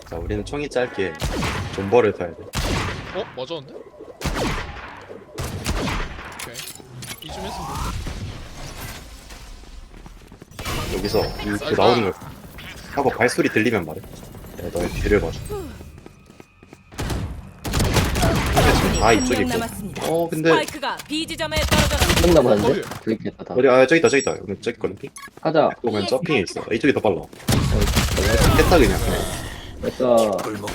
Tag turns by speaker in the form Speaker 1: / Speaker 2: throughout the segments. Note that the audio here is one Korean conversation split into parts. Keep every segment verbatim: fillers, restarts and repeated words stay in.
Speaker 1: 자, 우리는 총이 짧게 존버를 타야 돼.
Speaker 2: 어? 맞았는데? 오케이 이쯤 했으면
Speaker 1: 여기서 이렇게 나오는 걸 하고 발소리 들리면 말해. 내가 너의 뒤를 봐줘. 근데 지금 다 이쪽에 있고. 어, 근데
Speaker 3: 스파이크가 B 지점에 떨어졌습니다.
Speaker 4: 한 남았는데?
Speaker 2: 어디?
Speaker 4: 불있겠다 다.
Speaker 1: 어디? 아, 저기 있다, 저기 있다. 여기 저기 있거든.
Speaker 4: 가자.
Speaker 1: 보면 저핑에 있어. 이쪽이 더 빨라. 깼다 그냥.
Speaker 4: 됐어.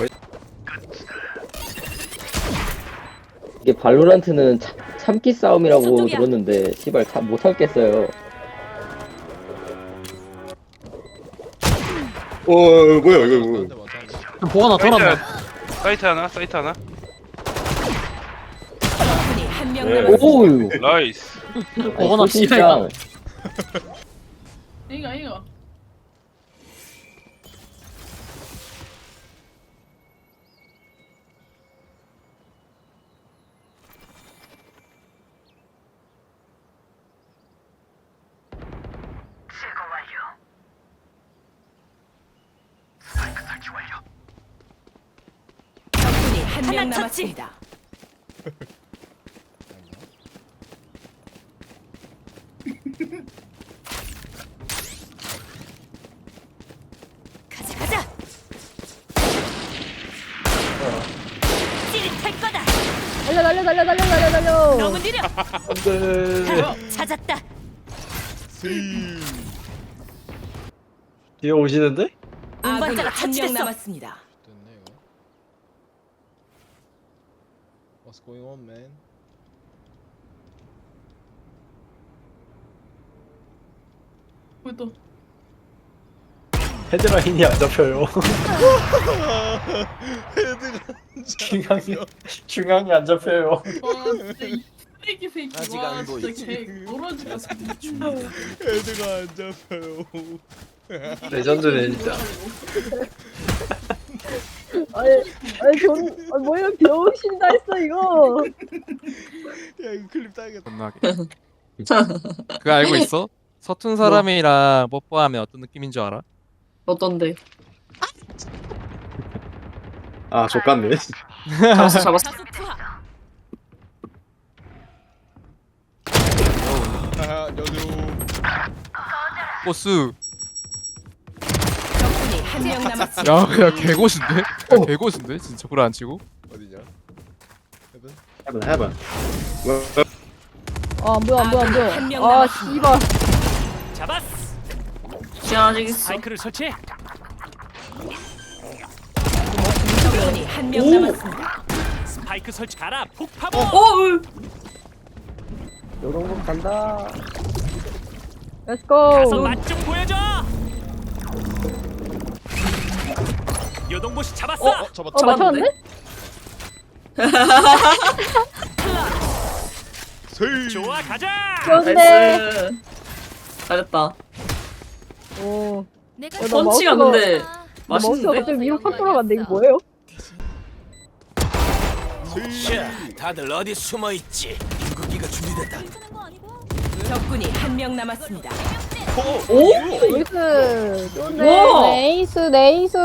Speaker 4: 이게 발로란트는 참, 참기 싸움이라고
Speaker 3: 저쪽이야.
Speaker 4: 들었는데 씨발 참 못 참겠어요.
Speaker 1: 어, 뭐야 이거 뭐야.
Speaker 2: 맞았는데 맞았는데
Speaker 5: 보관아 돌았네.
Speaker 6: 사이트 하나, 사이트 하나.
Speaker 3: 적군이 한 명
Speaker 1: 네.
Speaker 3: 남았습니다.
Speaker 4: 오우.
Speaker 6: 나이스.
Speaker 5: 보관아 씨발.
Speaker 7: 이거 이거
Speaker 3: 적군이 한 명 남았습니다. 가자 가자. 찌릿할 거다.
Speaker 8: 달려 달려 달려 달려 달려 달려.
Speaker 3: 너무 느려.
Speaker 5: 안돼.
Speaker 3: 찾았다.
Speaker 5: 뒤에 오시는데?
Speaker 3: 운반자가 한 명
Speaker 8: 처치됐어.
Speaker 3: 남았습니다.
Speaker 2: 됐네 이거 What's going on man?
Speaker 7: 왜또
Speaker 5: 헤드라인이 안 잡혀요.
Speaker 2: 헤드가
Speaker 5: 중앙이 중앙이 안 잡혀요.
Speaker 7: 와 진짜 이 쓰레기 새끼
Speaker 9: 아직
Speaker 7: 와
Speaker 9: 안
Speaker 7: 진짜
Speaker 9: 보이지?
Speaker 7: 개 떨어지가
Speaker 2: 헤드가 안 잡혀요
Speaker 5: 레전드네 진짜.
Speaker 8: 아니 아니 전 아, 뭐야 병신다 했어 이거.
Speaker 2: 야 이거 클립 따야겠다
Speaker 10: 겁나게. 그거 알고 있어? 서툰 사람이랑 뽀뽀하면 어떤 느낌인 줄 알아?
Speaker 7: 어떤데?
Speaker 1: 아, 족같네.
Speaker 7: 잡았어 잡았어
Speaker 3: 다수 투하.
Speaker 2: 아 안녕하세요
Speaker 10: 보스.
Speaker 3: 적군이 한 명 남았습니다.
Speaker 10: 야, 야 개고수인데? 야, 개고수인데? 진짜 불안 안 치고?
Speaker 2: 어디냐? 헤븐?
Speaker 1: 해봐, 해봐.
Speaker 8: 아 뭐야 뭐야
Speaker 3: 한 명
Speaker 8: 뭐야. 아
Speaker 3: 남았습니다.
Speaker 8: 씨발.
Speaker 9: 잡았어.
Speaker 7: 지나가지겠어
Speaker 9: 사이클을 설치해.
Speaker 3: 적군이 한 명 남았습니다.
Speaker 9: 스파이크 설치. 가라. 폭파보.
Speaker 7: 어!
Speaker 4: 요동공 간다.
Speaker 8: Let's
Speaker 9: 가서
Speaker 8: go.
Speaker 9: 맛 좀 보여줘. 요동보시 잡았어.
Speaker 2: 어? 어? 잡았다
Speaker 8: 어 맞췄는데?
Speaker 2: 세이
Speaker 9: 좋아 가자.
Speaker 8: 좋은데.
Speaker 7: 나이스 잘했다
Speaker 8: 오.
Speaker 3: 내가
Speaker 8: 어, 나
Speaker 7: 펀치가
Speaker 8: 마우스가-
Speaker 7: 근데
Speaker 8: 나 마우스가
Speaker 7: 맛있는데?
Speaker 8: 갑자기 위로 확 돌아갔는데 이거 뭐예요?
Speaker 9: 자, 다들 어디 숨어 있지? 궁극기가 준비됐다.
Speaker 3: 적군이 한 명 남았습니다.
Speaker 7: 오?
Speaker 8: 나이스. 좋은데.
Speaker 7: 우와.
Speaker 8: 네이스 네이스.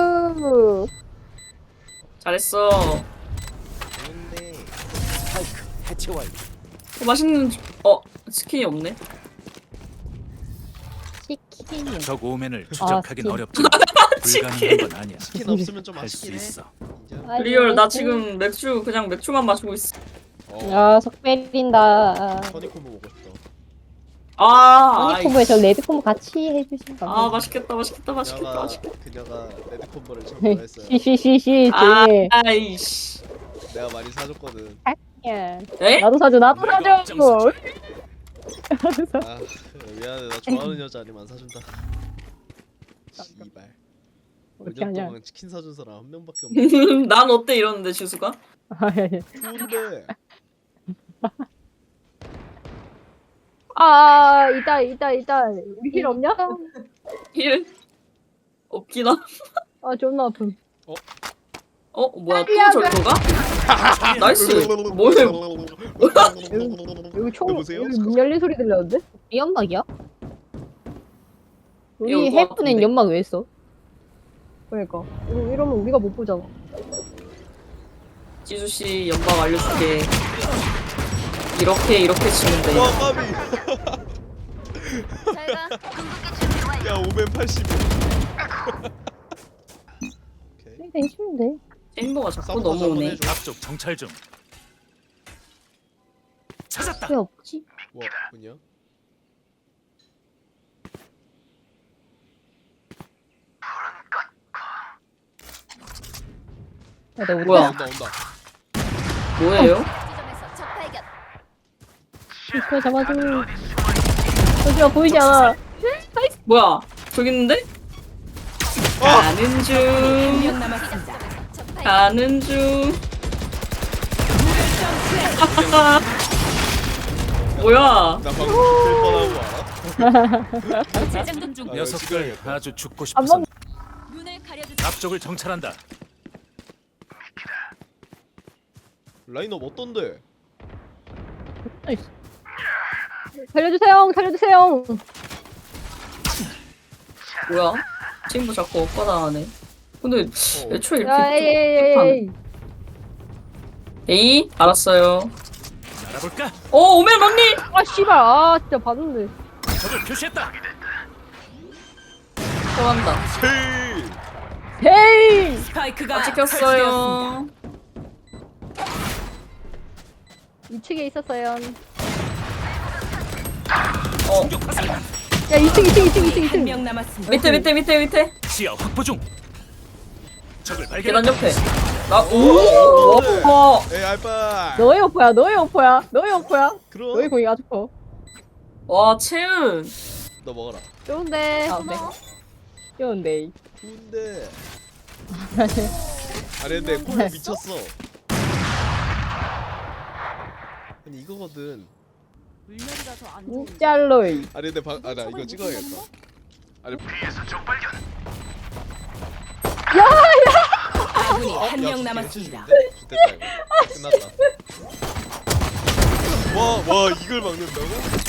Speaker 7: 잘했어
Speaker 2: 좋네
Speaker 9: 스파이크 해체 완료.
Speaker 7: 어, 맛있는 어 스킨이 없네
Speaker 8: 치킨.
Speaker 9: 적 오면을 추적하긴
Speaker 8: 스킨.
Speaker 9: 어렵지만 불가능한 건 아니야.
Speaker 2: 치킨 없으면 좀
Speaker 9: 할 수
Speaker 2: 아쉽긴 해
Speaker 9: 있어.
Speaker 2: 인정?
Speaker 7: 리얼 나 지금 맥주 그냥 맥주만 마시고 있어
Speaker 2: 어
Speaker 8: 야 석배린다.
Speaker 2: 허니콤보 먹고 싶다
Speaker 7: 아
Speaker 8: 허니콤보에 저 레드콤보 같이 해주신 거.
Speaker 7: 아 맛있겠다 맛있겠다 맛있겠다
Speaker 2: 그녀가
Speaker 7: 맛있겠다
Speaker 2: 그녀가 레드콤보를 첨부했어요
Speaker 8: 시시시시
Speaker 7: 아,
Speaker 8: 조용히 해.
Speaker 7: 아이씨
Speaker 2: 내가 많이 사줬거든
Speaker 8: 야,
Speaker 7: 에?
Speaker 8: 나도 사줘 나도 사줘.
Speaker 2: 아 미안해 나 좋아하는 여자 아니면 안 사준다 씨발
Speaker 8: 어떻게
Speaker 2: 오 년
Speaker 8: 하냐.
Speaker 2: 동안 치킨 사준 사람 한 명밖에 없네
Speaker 7: 난 어때 이러는데 지수가?
Speaker 2: 좋은데
Speaker 8: 아 이따 이따 이따 우리 힐 없냐?
Speaker 7: 힐? 없긴 하.
Speaker 8: 아 존나 아픔.
Speaker 7: 어 뭐야 또 저거가? 나이스. 뭐해?
Speaker 8: 여기 총
Speaker 2: 여보세요?
Speaker 8: 여기 문 열린 소리 들렸는데? 이 연막이야? 우리
Speaker 7: 이거
Speaker 8: 해프는
Speaker 7: 같은데?
Speaker 8: 연막 왜 했어? 그러니까 이러- 이러면 우리가 못 보잖아.
Speaker 7: 지수 씨 연방 알려줄게. 이렇게 이렇게 치면 돼.
Speaker 2: 와 까비. 야 오멘 팔십. 오케이.
Speaker 8: 되게 쉬운데.
Speaker 7: 챔버가 자꾸
Speaker 2: 싸움 다시 한번
Speaker 7: 넘어오네.
Speaker 2: 해줘.
Speaker 9: 앞쪽 정찰 중. 찾았다.
Speaker 8: 왜 없지?
Speaker 2: 뭐 뭐냐?
Speaker 8: 야, 나
Speaker 7: 뭐야?
Speaker 2: 온다 온다.
Speaker 7: 뭐예요?
Speaker 8: 이거 잡아줘. 저기가 보이지 않아.
Speaker 7: 뭐야? 저기 있는데? 가는
Speaker 3: 한
Speaker 7: 중.
Speaker 3: 명 남았습니다.
Speaker 7: 가는 중. 뭐야?
Speaker 2: 나 방금 될 뻔한 거 알아?
Speaker 3: 재장전 중.
Speaker 2: 아,
Speaker 9: 녀석들
Speaker 2: 시간이겠다.
Speaker 9: 아주 죽고
Speaker 8: 안
Speaker 9: 싶어서
Speaker 8: 먹.
Speaker 3: 눈을 가려주세요.
Speaker 9: 앞쪽을 정찰한다.
Speaker 2: 라인업 어떤데?
Speaker 8: 살려주세요. 살려주세요.
Speaker 7: 뭐야? 챔버 자꾸 엇가당하네. 근데
Speaker 2: 어.
Speaker 7: 애초에
Speaker 8: 야, 에이,
Speaker 7: 이렇게
Speaker 8: 에이,
Speaker 7: 뚝뚝하네.
Speaker 8: 에이.
Speaker 7: 에이, 알았어요.
Speaker 9: 알아볼까?
Speaker 7: 오, 오멘 언니!
Speaker 8: 아, 씨발. 아, 진짜 봤는데.
Speaker 9: 적을 표시했다.
Speaker 7: 들어간다.
Speaker 2: 헤이.
Speaker 8: 헤이.
Speaker 3: 스파이크가
Speaker 7: 아,
Speaker 3: 설치되었습니다.
Speaker 7: 찍혔어요.
Speaker 8: 이 층에 있었어요.
Speaker 7: 어,
Speaker 8: 야, 이 층, 이 층, 이 층, 이 층, 이
Speaker 3: 한
Speaker 8: 층.
Speaker 3: 명 남았습니다.
Speaker 7: 밑에, 밑에, 밑에, 밑에.
Speaker 9: 시야 확보 중. 적을
Speaker 7: 계단
Speaker 9: 발견했다.
Speaker 7: 옆에. 나, 오! 와,
Speaker 2: 에이 알바.
Speaker 8: 너의 오퍼야, 너의 오퍼야, 너의 오퍼야.
Speaker 2: 그럼.
Speaker 8: 너의 공이 아주 커.
Speaker 7: 와, 채은.
Speaker 2: 너 먹어라.
Speaker 8: 좋은데.
Speaker 7: 아, 네.
Speaker 8: 좋은데.
Speaker 2: 좋은데. 아니 근데 콜 미쳤어. 아니 이거거든.
Speaker 8: 짤로이.
Speaker 2: 아니 근데 방, 아나 이거 찍어야겠다. 아니
Speaker 3: 아군이
Speaker 2: 어?
Speaker 3: 한
Speaker 2: 야,
Speaker 3: 명 남았습니다.
Speaker 2: 됐다 이거. 끝났다. 와와 이걸 막는다고?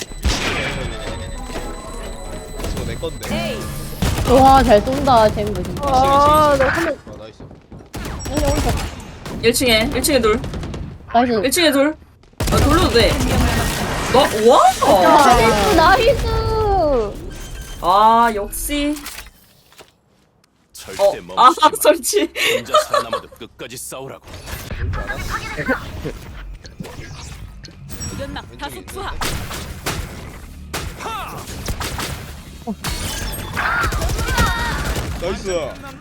Speaker 2: 이거 내 건데.
Speaker 3: 에이,
Speaker 8: 와, 잘 쏜다, 쟤는 진짜. 아, 너 한 명.
Speaker 2: 아 나이스.
Speaker 8: 아니, 어디서.
Speaker 7: 일 층에, 일 층에 둘.
Speaker 8: 나이스.
Speaker 7: 일 층에 둘. 아, 돌려도 돼.
Speaker 3: 한 명 남았습니다.
Speaker 7: 너, 와!
Speaker 8: 나이스, 나이스.
Speaker 7: 아, 역시.
Speaker 9: 절대
Speaker 7: 어, 아,
Speaker 9: 멈추지 마.
Speaker 7: 설치.
Speaker 9: 혼자 살아남아도 끝까지 싸우라고.
Speaker 3: 연막 다수 투하.
Speaker 2: 나이스.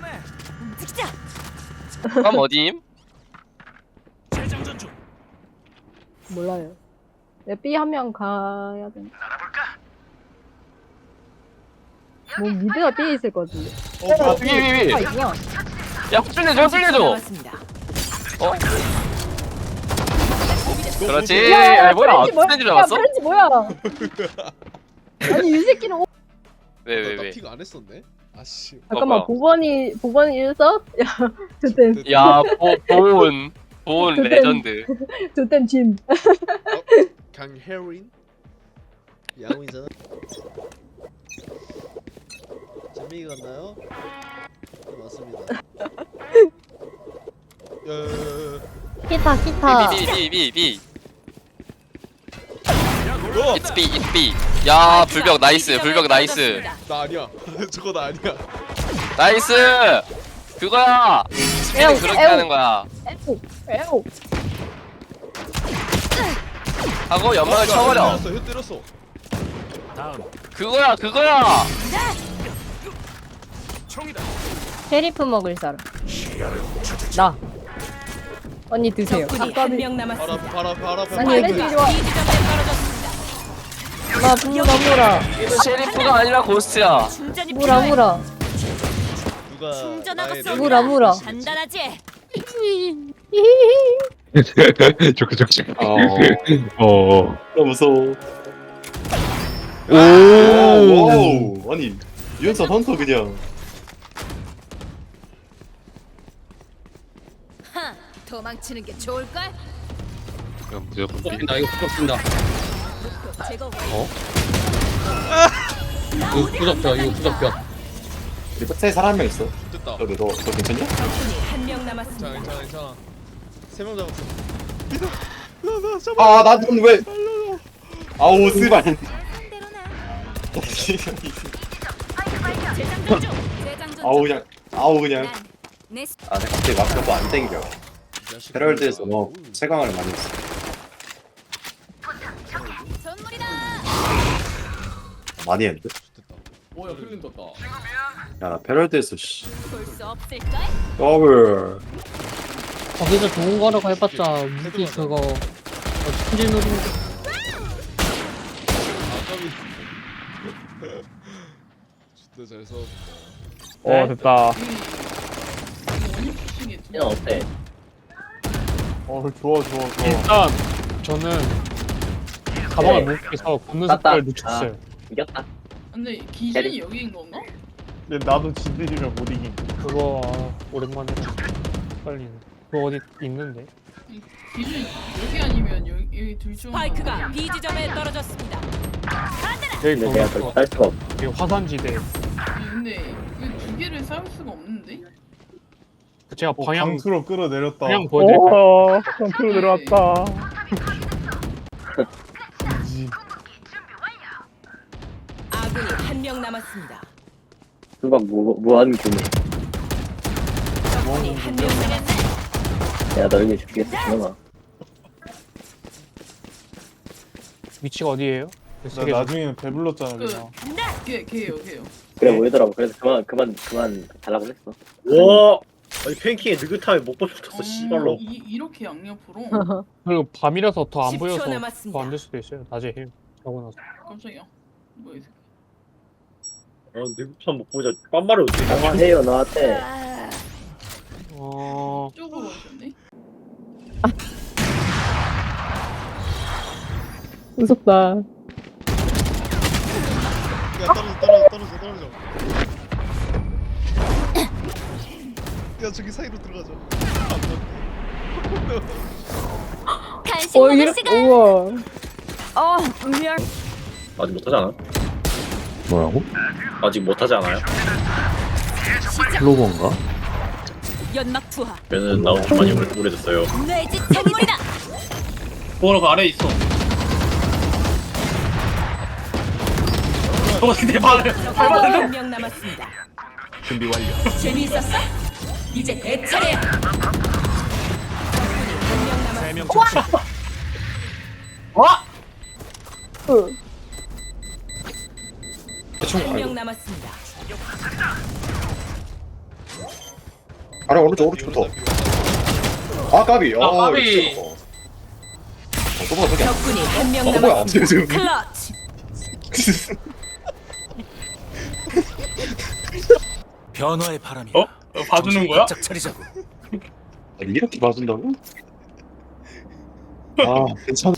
Speaker 10: 그럼 어디임?
Speaker 9: 재장전 중.
Speaker 8: 몰라요. 내 B 한 명 가야 돼. 뭐 미드가 B에 있을 거지.
Speaker 2: 어 뭐야?
Speaker 10: 위, 위, 위.
Speaker 8: 아, 있구나.
Speaker 10: 야, 살려줘, 살려줘.
Speaker 3: 남았습니다.
Speaker 10: 어? 그렇지.
Speaker 8: 야, 야,
Speaker 10: 야, 뭐야?
Speaker 8: 프렌치 뭐야?
Speaker 10: 스탠드
Speaker 8: 야,
Speaker 10: 잡았어?
Speaker 8: 프렌치 뭐야? 아니 이 새끼는 오...
Speaker 10: 왜, 왜,
Speaker 2: 나
Speaker 10: 왜?
Speaker 2: 픽 안 했었네. 아씨.
Speaker 8: 잠깐만
Speaker 10: 뭐야?
Speaker 8: 보건이 보건이 일서? 야, 저땐
Speaker 10: 야, 보, 보온. 보온
Speaker 8: 그땐-
Speaker 10: 레전드.
Speaker 8: 저땐 짐.
Speaker 2: 강혜린. 야옹이잖아. 재민이 갔나요? 네, 맞습니다. 야야야야.
Speaker 8: 기타 기타.
Speaker 10: B, B, B, B, B.
Speaker 2: 어!
Speaker 10: It's B, it's B. 야, 불벽 나이스, 불벽 나이스.
Speaker 2: 나 아니야. 저거 나 아니야.
Speaker 10: 나이스! 그거야! 스피는
Speaker 8: 에우,
Speaker 10: 그렇게
Speaker 8: 에우.
Speaker 10: 하는 거야.
Speaker 8: 에오 에오.
Speaker 10: 하고 연막을 쳐버려.
Speaker 2: 때렸어. 혀 때렸어.
Speaker 9: 다음
Speaker 10: 그거야, 그거야!
Speaker 9: 총이다.
Speaker 8: 쉐리프 먹을 사람. 나. 언니 드세요.
Speaker 3: 적군이 한 명 남았습니다.
Speaker 2: 바라 바라 바라.
Speaker 8: 아니 애들이 좋아.
Speaker 3: B 지점에 떨어졌습니다.
Speaker 8: 나 분노 나무라.
Speaker 10: 이거 셰리프가 아니라 고스트야.
Speaker 3: 충전이
Speaker 8: 무라
Speaker 3: 필요해.
Speaker 8: 무라.
Speaker 2: 누가
Speaker 3: 충전하고
Speaker 2: 나의
Speaker 3: 쏜다.
Speaker 8: 무라 무라.
Speaker 3: 단단하지?
Speaker 1: 좋게 좋게.
Speaker 4: 어.
Speaker 1: 어. 나 무서워.
Speaker 10: 오!
Speaker 1: 오. 아니 유연사 헌터 그냥.
Speaker 3: 하, 도망치는 게 좋을걸?
Speaker 1: 그냥 무조건 B.
Speaker 5: 나 이거 부럽습니다.
Speaker 3: 제거
Speaker 5: 이거 부럽죠. 이거 부럽죠.
Speaker 1: 우리 백사에 사람 한 명 있어.
Speaker 2: 됐다.
Speaker 1: 너너 너, 너 괜찮냐?
Speaker 3: 적군이 한 명
Speaker 2: 괜찮아
Speaker 3: 남았습니다.
Speaker 2: 괜찮아 괜찮아. 세 명 잡았어.
Speaker 1: 아, 나는 왜? 아우, 스발.
Speaker 3: 재장전 중. 재장전
Speaker 1: 아우 그냥, 아우 그냥.
Speaker 3: 내
Speaker 1: 아, 내가 갑자기 막혀도 안 땡겨. 헤럴드에서 뭐 최강을 많이 했어.
Speaker 3: 선물이다.
Speaker 1: 많이 했는데?
Speaker 2: 오야 클린 떴다.
Speaker 1: 야, 나 페럴드에서 씨.
Speaker 3: 볼 수 없을까?
Speaker 1: 더블.
Speaker 8: 거기서 좋은 거라고 해봤자 무기 그거 어, 스킬 누르는 거.
Speaker 2: 아까비. 진짜 잘 싸웠다.
Speaker 8: 어 됐다.
Speaker 4: 그냥 어때?
Speaker 8: 어 좋아 좋아 좋아. 일단 저는 가방을
Speaker 4: 네.
Speaker 8: 못 깨서 걷는
Speaker 4: 땄다.
Speaker 8: 속도를 늦췄어요.
Speaker 4: 이겼다.
Speaker 7: 근데 기준이 여기인 건가?
Speaker 8: 근데 나도 지들이면 못 이긴. 그거 아, 오랜만에 빨리. 그거 어디 있는데?
Speaker 7: 기준이 여기 아니면 여기, 여기 둘중
Speaker 3: 스파이크가 B 지점에 떨어졌습니다.
Speaker 8: 여기
Speaker 4: 근데 내가 그렇게 할 수가 없어.
Speaker 8: 여기 화산지대.
Speaker 7: 근데 이거 두 개를 쌓을 수가 없는데?
Speaker 8: 제가 방향
Speaker 11: 강수로 끌어내렸다.
Speaker 8: 방향 보여드릴까요? 강수로
Speaker 7: 내려왔다.
Speaker 3: 아군이 한 명 남았습니다.
Speaker 4: 수박 무, 무한 규모.
Speaker 3: 적군이 한 명 남았습니다.
Speaker 4: 내가 너에게 주겠어, 그놈아.
Speaker 8: 위치가 어디예요?
Speaker 11: 나 나중에는 배불렀잖아
Speaker 7: 그
Speaker 11: 그냥.
Speaker 7: 걔, 걔요 걔요
Speaker 4: 그래 보이더라고. 그래서 그만 그만 그만 달라고 했어.
Speaker 5: 와 아니 팬킹에 느긋함에 못 버텼어 씨발로.
Speaker 7: 이, 이렇게 양옆으로?
Speaker 8: 그리고 밤이라서 더 안
Speaker 3: 십 초
Speaker 8: 보여서
Speaker 3: 남았습니다.
Speaker 8: 더 안 될 수도 있어요. 낮에 해. 자고 나서.
Speaker 7: 깜짝이야 뭐야 이 새끼
Speaker 5: 어 느긋함 못 보자 빤말을 어떻게
Speaker 4: 강화해요 너한테.
Speaker 8: 어.
Speaker 7: 이쪽으로 오셨네?
Speaker 8: 무섭다.
Speaker 2: 야 떨어져 떨어져 떨어져 떨어져. 야 저기 사이로 들어가자.
Speaker 3: 간식 먹을 시간.
Speaker 8: 우와.
Speaker 3: 어, 미안.
Speaker 5: 아직 못하지 않아?
Speaker 1: 뭐라고?
Speaker 5: 아직 못하지 않아요?
Speaker 1: 클로버인가?
Speaker 3: 연막 투하.
Speaker 5: 얘는 나온 지 많이 오래- 오래됐어요.
Speaker 3: 뇌지 선물이다.
Speaker 5: 뭐라 그 아래 있어. 어 근데 말을
Speaker 3: 적군이 한 명 남았습니다. 준비 완료. 재미있었어? 이제 내 차례야. 적군이 한 명 남았습니다.
Speaker 1: 대충
Speaker 3: 한 명
Speaker 1: 알고.
Speaker 3: 남았습니다.
Speaker 1: 아래 오른쪽 오른쪽부터. 아 까비. 아
Speaker 5: 까비.
Speaker 1: 어, 또 뭐야 저기.
Speaker 3: 적군이 한 명
Speaker 1: 어 뭐야
Speaker 3: 남았습니다.
Speaker 1: 지금.
Speaker 3: 클러치.
Speaker 9: 변화의 바람이.
Speaker 5: 어? 어, 봐주는 거야?
Speaker 9: 짝 차리자고.
Speaker 1: 아니, 이렇게 봐준다고? 아 괜찮아.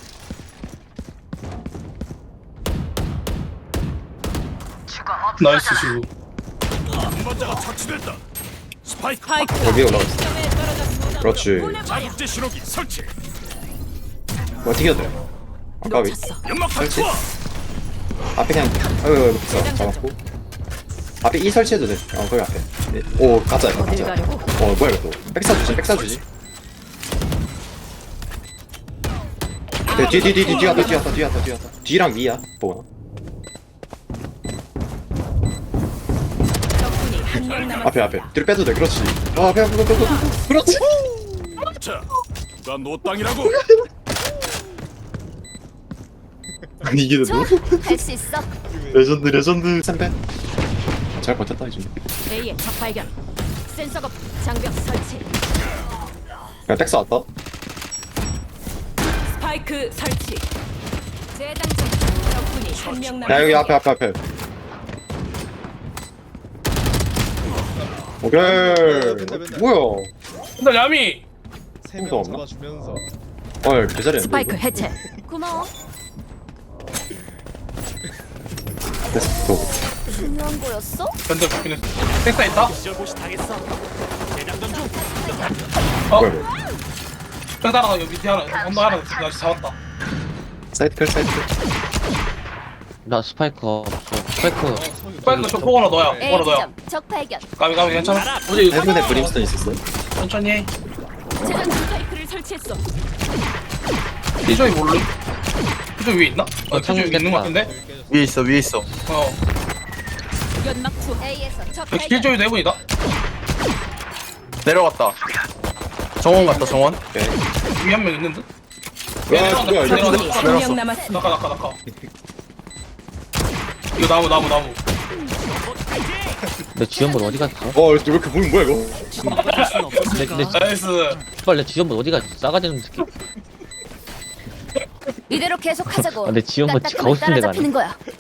Speaker 5: 나이스 슈.
Speaker 9: 먼저가 처치됐다. 스파이크.
Speaker 3: 스파이크.
Speaker 1: 여기 올라갔어.
Speaker 3: 지점에 떨어졌습니다.
Speaker 1: 그렇지.
Speaker 3: 보내버려.
Speaker 9: 자국제 신호기 설치.
Speaker 1: 뭐 튀겨도 돼. 아 까비.
Speaker 3: 놓쳤어.
Speaker 9: 연막
Speaker 1: 설치.
Speaker 9: 투하.
Speaker 1: 앞에 그냥 아유 자, 잡았고. 앞에 이 설치해도 돼. 어 거기 앞에. 네. 오 가짜 이거
Speaker 3: 어딜
Speaker 1: 가짜.
Speaker 3: 가려고?
Speaker 1: 어 뭐야 이거 또. 백사 주지 백사 주지. 네, 뒤, 뒤, 뒤, 뒤, 뒤 왔다, 뒤 왔다, 뒤 왔다, 뒤 왔다. 뒤랑 위야, 보거나.
Speaker 3: 적군이 한 명 남았습니다.
Speaker 1: 앞에, 앞에. 뒤로 빼도 돼, 그렇지. 아, 앞에, 앞에, 앞에, 앞에. 그렇지.
Speaker 9: 자, 누가 노 땅이라고?
Speaker 1: 아니, 이게 너
Speaker 3: 할수 있어.
Speaker 1: 레전드, 레전드. 쌤빼. 잘 버텼다, 이제.
Speaker 3: A의 적 발견. 센서가 장벽 설치.
Speaker 1: 그냥 백스 왔다.
Speaker 3: 스파이크 설치. 재장전. 적군이 한 명 남았습니다.
Speaker 1: 야, 여기 앞에, 앞에, 앞에. 오케이.
Speaker 2: 맨날, 맨날.
Speaker 1: 뭐야.
Speaker 5: 근데 야미.
Speaker 2: 세
Speaker 1: 아무도
Speaker 2: 명
Speaker 1: 없나?
Speaker 2: 잡아주면서.
Speaker 1: 어, 개잘했는데.
Speaker 3: 스파이크 해체. 고마워.
Speaker 1: 됐어.
Speaker 3: 중요한 거였어?
Speaker 5: 견제 바뀌는. 백사 있다.
Speaker 9: 시절고시 당했어. 대장전 중.
Speaker 1: 뭐야, 이거.
Speaker 5: 백사 하나 여기 밑에 하나 언더 하나 나 잡았다.
Speaker 1: 사이트 클, 사이트 클.
Speaker 10: 나 스파이크 없어. 스파이크
Speaker 2: 어 성이 빨리 저 포거나 너야.
Speaker 3: A
Speaker 2: 포거나 너야.
Speaker 3: 지점 적 발견.
Speaker 2: 까비 까비 괜찮아. 어디
Speaker 1: 해븐에 브림스톤 있었어.
Speaker 2: 천천히 해.
Speaker 3: 재전 스파이크를 설치했어.
Speaker 2: 피조이 몰래? 피조이 위에 있나? 어, 피조이 있는 거 같은데?
Speaker 5: 위에 있어 위에 있어.
Speaker 2: 어.
Speaker 3: 연막 투 A에서 적
Speaker 2: 여기
Speaker 3: 발견.
Speaker 2: 피조이 대본이다.
Speaker 5: 내려갔다. 정원 갔다 정원.
Speaker 2: 위에 한 명 있는 듯?
Speaker 1: 와, 뭐야, 이거.
Speaker 3: 적군이 한 명 남았습니다.
Speaker 2: 나가 나가 나가. 이거 나무 나무 나무.
Speaker 7: 내 지원본 어디 갔어?
Speaker 1: 어, 왜 이렇게 보는 뭐야, 이거?
Speaker 7: 내, 내,
Speaker 2: 나이스.
Speaker 7: 빨리 내 지원본 어디 갔어? 싸가지 없는 새끼.
Speaker 3: 이대로 계속하자고.
Speaker 7: 아, 내 지원본
Speaker 3: 딱딱하면
Speaker 7: 가고 싶은 데가
Speaker 3: 따라잡히는 거야.